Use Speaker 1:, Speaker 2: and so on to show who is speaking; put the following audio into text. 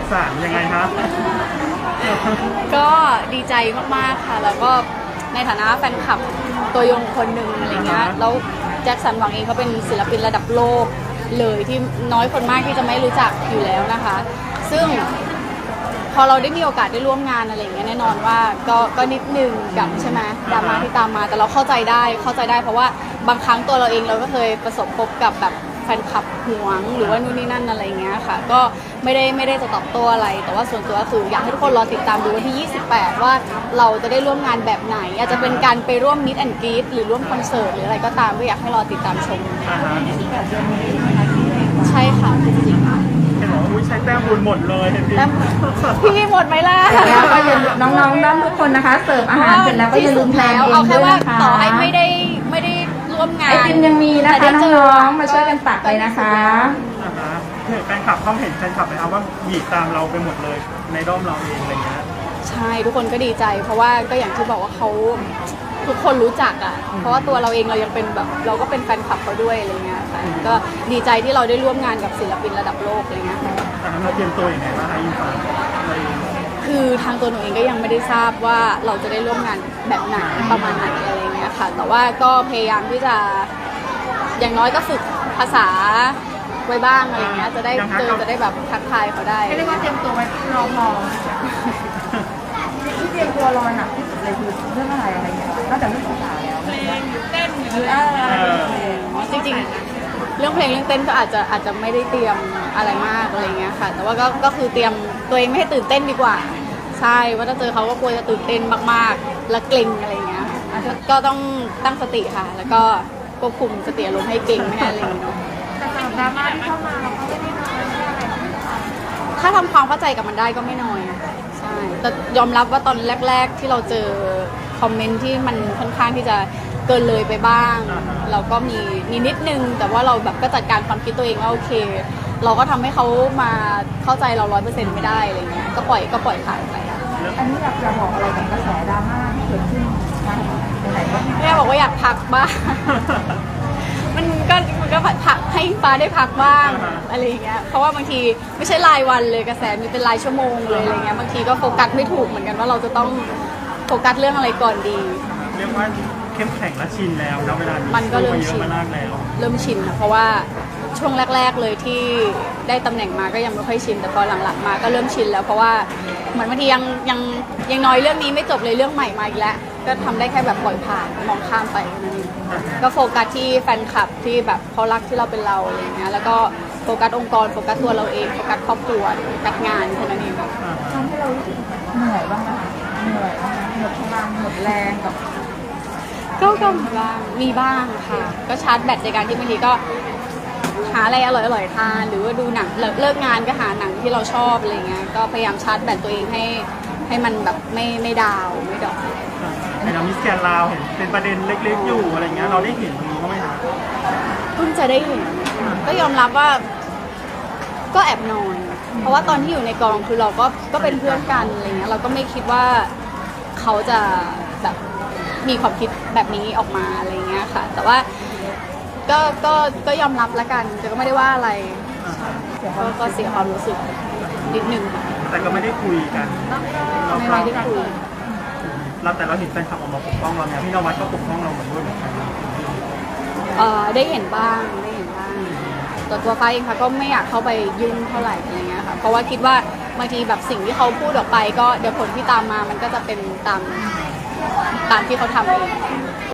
Speaker 1: สารยังไงครับ
Speaker 2: ก็ดีใจมากๆค่ะแล้วก็ในฐานะแฟนคลับตัวยงคนหนึ่งอะไรเงี้ยแล้วแจ็คสันหวังเองเขาเป็นศิลปินระดับโลกเลยที่น้อยคนมากที่จะไม่รู้จักอยู่แล้วนะคะ ซึ่งพอเราได้มีโอกาสได้ร่วมงานอะไรอย่างเงี้ยแน่นอนว่าก็นิดนึงกับใช่ไหมดราม่าที่ตามมาแต่เราเข้าใจได้เพราะว่าบางครั้งตัวเราเองเราก็เคยประสบพบกับแบบแฟนคลับหวงหรือว่านู่นนี่นั่นอะไรเงี้ยค่ะก็ไม่ได้จะตอบโต้อะไรแต่ว่าส่วนตัวก็คืออยากให้ทุกคนรอติดตามดูวันที่ 28 ว่าเราจะได้ร่วมงานแบบไหนอาจจะเป็นการไปร่วมมิตแอนด์กรีดหรือร่วมคอนเสิร์ตหรืออะไรก็ตามก็อยากให้รอติดตามชมใช่ค่ะจริงๆ
Speaker 1: เห็นบอกว่าอุ้ยใช้แต้มบุญหมดเลยเห็นพี่
Speaker 2: พี่หมดไหมล่ะ
Speaker 3: แล้วก็อย่าลืมน้องๆน้องทุกคนนะคะเสิร์ฟอาหารเสร็จแล้วก็อย่าลืมทานเอง
Speaker 2: เอาแค่
Speaker 3: ด้วย
Speaker 2: ว่า
Speaker 3: นะคะ
Speaker 2: ต่อให้ไม่ได้ร่วมงาน
Speaker 3: ไอติมยังมีนะคะน้องๆมาช่วยกันตักเลยนะคะ
Speaker 1: แฟนคลับเขาเห็นแฟนคลับไหมครับว่าบีบตามเราไปหมดเลยในด้อมเราเองอะไรเงี้ย
Speaker 2: ใช่ทุกคนก็ดีใจ เพราะว่าก็อย่างที่บอกว่าเขาทุกคนรู้จักอ่ะเพราะว่าตัวเราเองเรายังเป็นแบบเราก็เป็นแฟนคลับเขาด้วยอะไรเงี้ยค่ะก็ดีใจที่เราได้ร่วมงานกับศิลปินระดับโลกอะไรเงี้ย
Speaker 1: ตอนนั้นเราเตรียมตัวอย่างไรบ้างคะยินฟ้าอะไร
Speaker 2: คือทางตัวหนูเองก็ยังไม่ได้ทราบว่าเราจะได้ร่วมงานแบบไหนประมาณไหนอะไรเงี้ยค่ะแต่ว่าก็พยายามที่จะอย่างน้อยก็ฝึกภาษาไว้บ้างอะไรเงี้ยจะได้จะได้แบบทักทายเขาได้
Speaker 3: เรียกว่าเตรียมตัวไว้รอพอที่เตรียมตัวรอหนักที่สุดเลยคือเรื่องอะไรเงี้ยนอกจากเรื่องภาษาแล้วเพลงเต้นหรืออะไร
Speaker 2: จริงๆเรื่องเพลงเรื่องเต้นก็อาจจะไม่ได้เตรียมอะไรมากอะไรเงี้ยค่ะแต่ว่าก็คือเตรียมตัวเองไม่ให้ตื่นเต้นดีกว่าใช่ว่าถ้าเจอเขาก็กลัวจะตื่นเต้นมากๆและเกรงอะไรเงี้ยก็ต้องตั้งสติค่ะแล้วก็ควบคุมสติอารมณ์ให้เก่งไม่ให้อะไรเนาะ
Speaker 3: แต่สำหรับดราม่าที่เข้ามาเราก็ไม่ได้น้อยอะไร
Speaker 2: ถ้าทำความเข้าใจกับมันได้ก็ไม่น้อยใช่แต่ยอมรับว่าตอนแรกๆที่เราเจอคอมเมนต์ที่มันค่อนข้างที่จะเกินเลยไปบ้างเราก็มีนิดนึงแต่ว่าเราแบบก็จัดการความคิดตัวเองว่าโอเค เราก็ทำให้เขามาเข้าใจเรา100%ไม่ได้อะไรเงี้ยก็ปล่อยผ่านไป
Speaker 3: อันนี้อยากจะบอกอะไรกับกระแสดราม่าที่เกิดขึ้นไหนๆก็
Speaker 2: แม่บอกว่าอยากพักบ้าง มันก็พักให้ฟ้าได้พักบ้างอะไรอย่างเงี้ยเพราะว่าบางทีไม่ใช่รายวันเลยกระแสมีเป็นรายชั่วโมงเลยอะไรเงี้ยบางทีก็โฟกัสไม่ถูกเหมือนกันว่าเราจะต้องโฟกัสเรื่องอะไรก่อนดี
Speaker 1: เรียกว่าเข้มแข็งและชินแล้วนะเวลา
Speaker 2: มันก็เริ่ม
Speaker 1: เย
Speaker 2: ชิ
Speaker 1: อะ
Speaker 2: น
Speaker 1: มามากแล้ว
Speaker 2: เริ่มชินนะเพราะว่าช่วงแรก ๆเลยที่ได้ตำแหน่งมาก็ยังไม่ค่อยชินแต่พอหลังๆมาก็เริ่มชินแล้วเพราะว่าเหมือนบางทียังน้อยเรื่องนี้ไม่จบเลยเรื่องใหม่มาอีกแล้วก็ทำได้แค่แบบปล่อยผ่านมองข้ามไปนั่นเองก็โฟกัสที่แฟนคลับที่แบบเขารักที่เราเป็นเราอะไรเงี้ยแล้วก็โฟกัสองค์กรโฟกัสตัวเราเองโฟกัสครอบครัวโฟกัสงานแค่นั้นเอง
Speaker 3: ทำให้เรารู้สึกเหนื่อยบ้างไหมคะเหนื่อยบ้างไหมหมดพลังหมดแรงกับ
Speaker 2: ก็มีบ้างค่ะก็ชาร์จแบตในการที่บางทีก็หาอะไรอร่อยๆทานหรือว่าดูหนังเลิกงานก็หาหนังที่เราชอบอะไรเงี้ยก็พยายามชาร์จแบตตัวเองให้มันแบบไม่ดาวไม่ดอก
Speaker 1: ในเรามิสแกนลาวเห็นเป็นประเด็นเล็กๆอยู่อะไรเงี้ยเราได้เห็นตรงนี้บ้างไหมคะ
Speaker 2: เพิ่งจะได้เห็นก็ยอมรับว่าก็แอบนอยเพราะว่าตอนที่อยู่ในกองคือเราก็เป็นเพื่อนกันอะไรเงี้ยเราก็ไม่คิดว่าเขาจะแบบมีความคิดแบบนี้ออกมาอะไรเงี้ยค่ะ แต่ว่าก็ยอมรับละกันแต่ก็ไม่ได้ว่าอะไรก็เสียความรู้สึกนิดนึงค่ะ
Speaker 1: แต่ก็ไม่ได้คุยกันเรา
Speaker 2: ไม่ได้คุย
Speaker 1: แต่เราเห็นแฟนคลับออกมาปกป้องเราเนี่ยพี่นวัดก็ปกป้องเราเหมือนด้วยเหมือนกัน
Speaker 2: ได้เห็นบ้างแต่ตัวฟ้าเองค่ะก็ไม่อยากเข้าไปยุ่งเท่าไหร่อะไรเงี้ยค่ะเพราะว่าคิดว่าบางทีแบบสิ่งที่เขาพูดออกไปก็เดี๋ยวผลที่ตามมามันก็จะเป็นตามที่เขาทำเอง